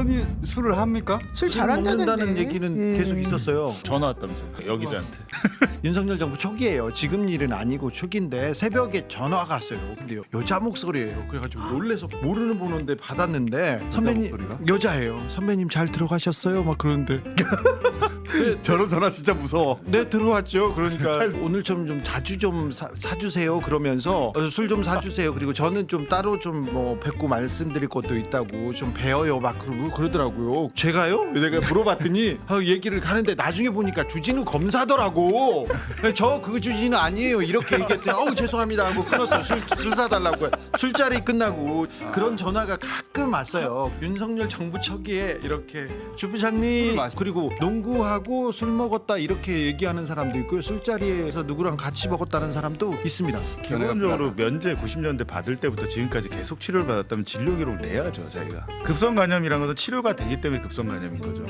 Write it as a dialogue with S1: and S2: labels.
S1: 여전히 술을 합니까?
S2: 술
S3: 술
S2: 잘한다는데.
S3: 먹는다는 얘기는 계속 있었어요.
S4: 전화 왔다면서요 여기자한테.
S3: 윤석열 정부 초기예요. 지금 일은 아니고 초기인데 새벽에 전화가 왔어요. 근데 여자 목소리예요. 그래가지고 놀래서 모르는 번호인데 받았는데 선배님
S1: 목소리가?
S3: 여자예요. 선배님 잘 들어가셨어요? 막 그러는데
S1: 저런 전화 진짜 무서워.
S3: 네 들어왔죠. 그러니까 오늘처럼 좀 자주 좀 사주세요. 그러면서 술 좀 사주세요. 그리고 저는 좀 따로 좀 뭐 뵙고 말씀드릴 것도 있다고 좀 배워요. 막 그러더라고요. 제가요? 내가 물어봤더니 얘기를 가는데 나중에 보니까 주진우 검사더라고. 저 그 주진우 아니에요. 이렇게 얘기했더니 어우 죄송합니다 하고 끊었어요. 술 사달라고. 술자리 끝나고 그런 전화가 가끔 왔어요. 윤석열 정부 초기에 이렇게 주 부장님 그리고 농구하고 술 먹었다 이렇게 얘기하는 사람도 있고요. 술자리에서 누구랑 같이 먹었다는 사람도 있습니다.
S4: 기본적으로 면제 90년대 받을 때부터 지금까지 계속 치료를 받았다면 진료 기록을 내야죠. 자기가 급성 간염이란 것은 치료가 되기 때문에 급성 간염인 거죠.